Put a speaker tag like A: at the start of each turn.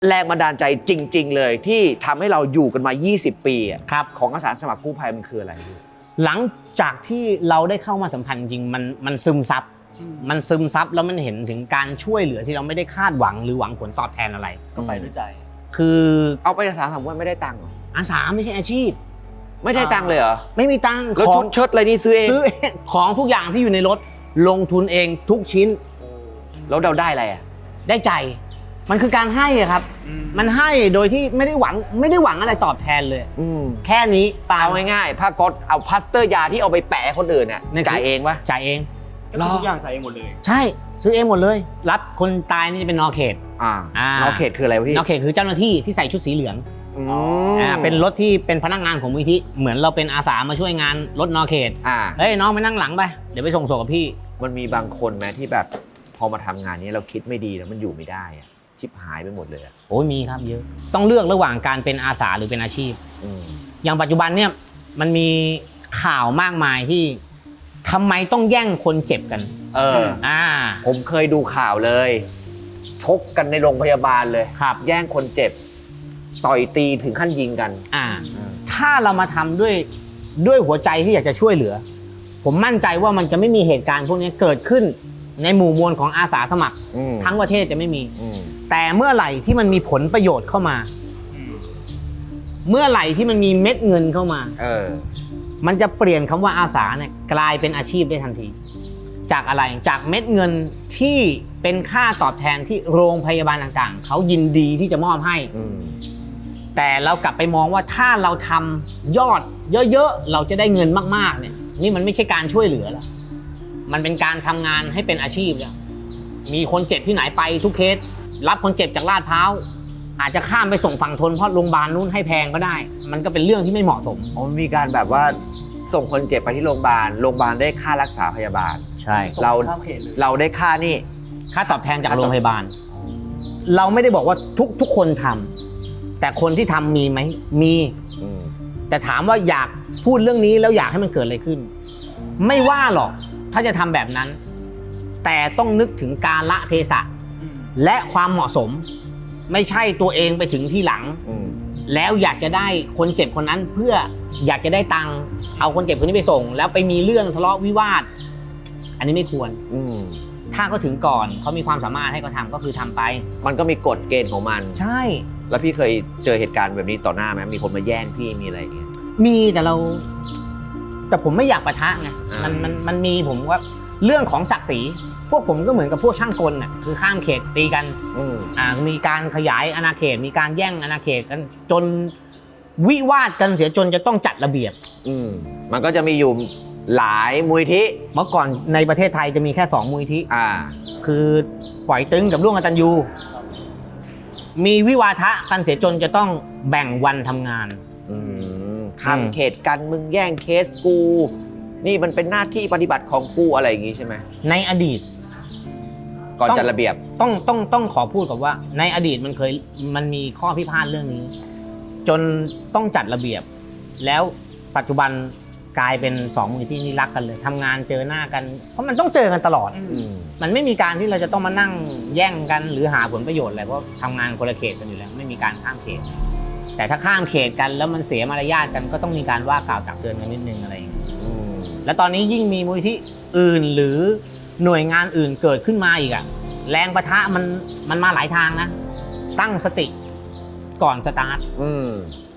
A: แรงบันดาลใจจริงๆเลยที่ทำให้เราอยู่กันมา20 ปี
B: ครับ
A: ของอาสาสมัครกู้ภัยมันคืออะไรพี่
B: หลังจากที่เราได้เข้ามาสัมพันธ์จริงมันซึมซับแล้วมันเห็นถึงการช่วยเหลือที่เราไม่ได้คาดหวังหรือหวังผลตอบแทนอะไร
C: ก็ไปด้วยใจ
B: คือ
A: เอาไปอาสาสมัครไม่ได้ตังค์เหรอ
B: อาสาไม่ใช่อาชีพ
A: ไม่ได้ตังค์เลยเหรอ
B: ไม่มีตังค์
A: แล้วชุดเชิ้ตอะไรนี่ซื้อเอง
B: ของทุกอย่างที่อยู่ในรถลงทุนเองทุกชิ้น
A: แล้วเราได้อะไร
B: ได้ใจมันคือการให้ครับมันให้โดยที่ไม่ได้หวังอะไรตอบแทนเลยแค่นี้
A: เอาง่ายๆผ้าก๊อซเอาพลาสเตอร์ยาที่เอาไปแปะคนอื่นเนี่ยจ่ายเองปะ
B: จ่ายเอง
C: ทุกอย่างใส่เองหมดเลย
B: ใช่ซื้อเองหมดเลยรับคนตายนี่จะเป็นนอเขต
A: นอเขตคืออะไรพี่
B: นอเขตคือเจ้าหน้าที่ที่ใส่ชุดสีเหลืองเป็นรถที่เป็นพนักงานของมูลนิธิเหมือนเราเป็นอาสามาช่วยงานรถนอเขตเฮ้ยน้องไปนั่งหลังไปเดี๋ยวไปส่งศพกับพี่
A: มันมีบางคนไหมที่แบบพอมาทำงานนี้เราคิดไม่ดีแล้วมันอยู่ไม่ได้ชิบหายไปหมดเลย
B: โอ้ยมีครับเยอะต้องเลือกระหว่างการเป็นอาสาหรือเป็นอาชีพอย่างปัจจุบันเนี่ยมันมีข่าวมากมายที่ทำไมต้องแย่งคนเจ็บกัน
A: ผมเคยดูข่าวเลยชกกันในโรงพยาบาลเลย
B: ครับ
A: แย่งคนเจ็บต่อยตีถึงขั้นยิงกัน
B: ถ้าเรามาทำด้วยหัวใจที่อยากจะช่วยเหลือผมมั่นใจว่ามันจะไม่มีเหตุการณ์พวกนี้เกิดขึ้นในหมู่มวลของอาสาสมัครทั้งประเทศจะไม่มีแต่เมื่อไหร่ที่มันมีผลประโยชน์เข้ามาเมื่อไหร่ที่มันมีเม็ดเงินเข้ามามันจะเปลี่ยนคำว่าอาสาเนี่ยกลายเป็นอาชีพได้ทันทีจากอะไรจากเม็ดเงินที่เป็นค่าตอบแทนที่โรงพยาบาลต่างๆเขายินดีที่จะมอบให้แต่เรากลับไปมองว่าถ้าเราทำยอดเยอะๆเราจะได้เงินมากๆเนี่ยนี่มันไม่ใช่การช่วยเหลือแล้วมันเป็นการทำงานให้เป็นอาชีพแล้วมีคนเจ็บที่ไหนไปทุกเคสรับคนเจ็บจากลาดพร้าวอาจจะข้ามไปส่งฝั่งทนเพราะโรงพยาบาลนู้นให้แพงก็ได้มันก็เป็นเรื่องที่ไม่เหมาะสม
A: มีการแบบว่าส่งคนเจ็บไปที่โรงพยาบาลได้ค่ารักษาพยาบาล
B: ใช่
A: เราได้ค่านี่
B: ค่าตอบแทนจากโรงพยาบาลเราไม่ได้บอกว่าทุกคนทำแต่คนที่ทำมีไหมมีแต่ถามว่าอยากพูดเรื่องนี้แล้วอยากให้มันเกิดอะไรขึ้นไม่ว่าหรอกถ้าจะทำแบบนั้นแต่ต้องนึกถึงกาลเทศะและความเหมาะสมไม่ใช่ตัวเองไปถึงที่หลังแล้วอยากจะได้คนเจ็บคนนั้นเพื่ออยากจะได้ตังค์เอาคนเจ็บคนนี้ไปส่งแล้วไปมีเรื่องทะเลาะวิวาทอันนี้ไม่ควรถ้าเขาถึงก่อนเขามีความสามารถให้เขาทำก็คือทำไป
A: มันก็มีกฎเกณฑ์ของมัน
B: ใช่
A: แล้วพี่เคยเจอเหตุการณ์แบบนี้ต่อหน้าไหมมีคนมาแย่งพี่มีอะไรอย่างเงี้ย
B: มีแต่ผมไม่อยากปะทะไงมันมีผมว่าเรื่องของศักดิ์ศรีพวกผมก็เหมือนกับพวกช่างกลน่ะคือข้ามเขตตีกันมีการขยายอาณาเขตมีการแย่งอาณาเขตกันจนวิวาทกันเสียจนจะต้องจัดระเบียบ
A: มันก็จะมีอยู่หลายมูลที่
B: เมื่อก่อนในประเทศไทยจะมีแค่2มูลที่คือปล่อยตึงกับร่วมกตัญญูมีวิวาทะกันเสียจนจะต้องแบ่งวันทำงาน
A: ข้ามเขตกันมึงแย่งเคสกูนี่มันเป็นหน้าที่ปฏิบัติของกูอะไรอย่างงี้ใช่ไหม
B: ในอดีต
A: ก่อนจัดระเบียบ
B: ต้องขอพูดกับว่าในอดีตมันมีข้อพิพาทเรื่องนี้จนต้องจัดระเบียบแล้วปัจจุบันกลายเป็น2มูลที่นี่รักกันเลยทำงานเจอหน้ากันเพราะมันต้องเจอกันตลอดมันไม่มีการที่เราจะต้องมานั่งแย่งกันหรือหาผลประโยชน์อะไรเพราะทำงานคนละเขตกันอยู่แล้วไม่มีการข้ามเขตแต่ถ้าข้ามเขตกันแล้วมันเสียมารยาทกันก็ต้องมีการว่ากล่าวตักเตือนกันนิดนึงอะไรอย่างนี้แล้วตอนนี้ยิ่งมีมูลที่อื่นหรือหน่วยงานอื่นเกิดขึ้นมาอีกอะแรงปะทะมันมาหลายทางนะตั้งสติก่อนสตาร์ท